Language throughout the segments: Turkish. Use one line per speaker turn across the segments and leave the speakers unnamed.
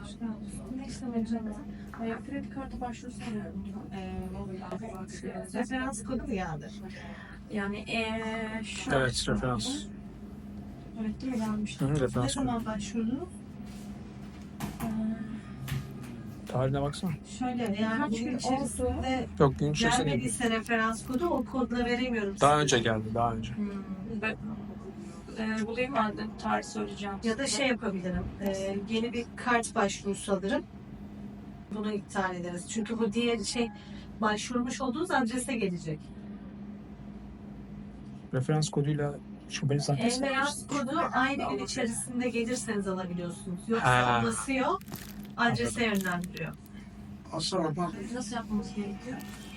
Ne işlem edeceğim? Kredi kartı başvurusu sanıyorum.
Referans kodu mu geldi?
Yani şu
Evet, referans.
Evet değil mi gelmişti?
Hı,
Ne
referans.
zaman başvurdunuz?
Tarihine baksana.
Şöyle yani
Kaç
gün
gün
içerisinde
Yok, gün içerisinde değil.
gelmediyse referans kodu o kodla veremiyorum
Daha
size.
önce geldi, daha önce.
Ben bulayım ben de tarih söyleyeceğim.
Ya da şey yapabilirim. Yeni bir kart başvurusu alırım. Bunu iptal ederiz. Çünkü bu diğer şey başvurmuş olduğunuz adrese gelecek.
Referans koduyla şubeli sahtesi.
Referans kodu aynı gün içerisinde gelirseniz alabiliyorsunuz. Yoksa
Ha.
o basıyor, adrese yönlendiriyor.
Nasıl yapmamız gerekiyor?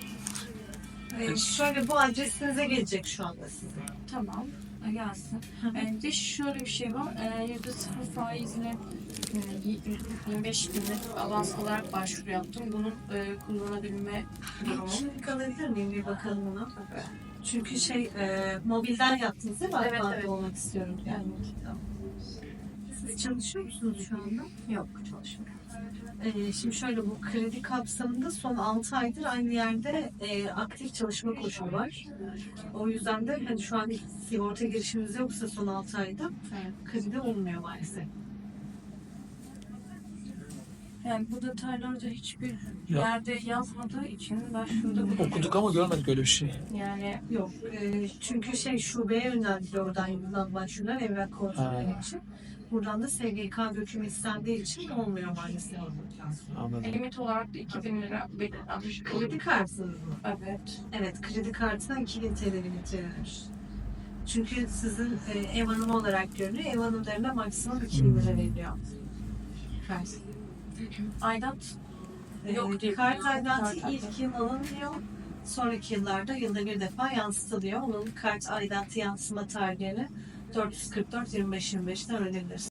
Şöyle bu adresinize gelecek şu anda size.
Tamam. Gelsin. Bir de şöyle bir şey var. %0 faizle 25 günlük avans olarak başvuru yaptım. Bunun kullanabilme durumu.
Şimdi kalabilir miyim bir bakalım ona? Çünkü mobilden yaptınız değil mi?
Evet,
Akbank'ta
evet.
olmak istiyorum. Yani. Siz çalışıyor musunuz şu anda?
Yok, çalışmıyor.
Şimdi şöyle bu kredi kapsamında son 6 aydır aynı yerde aktif çalışma koşulu var. O yüzden de hani şu an sigorta girişimiz yoksa son 6 ayda kredi olmuyor maalesef.
Yani bu detaylarda hiçbir yerde yazmadığı için başvuruda
Okuduk ama görmedik öyle bir şey.
yani
Yok. Çünkü şubeye yönlendiriyor oradan yapılan başvurular evrak kontrolü için. Buradan da SGK dökümü istendiği için olmuyor maalesef.
Anladım.
limit olarak da 2000 lira belirlenmiş.
Kredi kartınız mı?
Evet.
Evet, kredi kartına 2000 TL limit verilmiş. Çünkü sizin ev hanımı olarak görünüyor. Ev hanımlarına maksimum 2000 lira veriliyor. Kart.
Aidat yok diye
Kart
biliyorum.
aidatı
Kart
ilk yıl alınmıyor. Sonraki yıllarda yılda bir defa yansıtılıyor. Onun kart aidatı yansıma tarihini 444-25-25'ten öğrenebilirsiniz.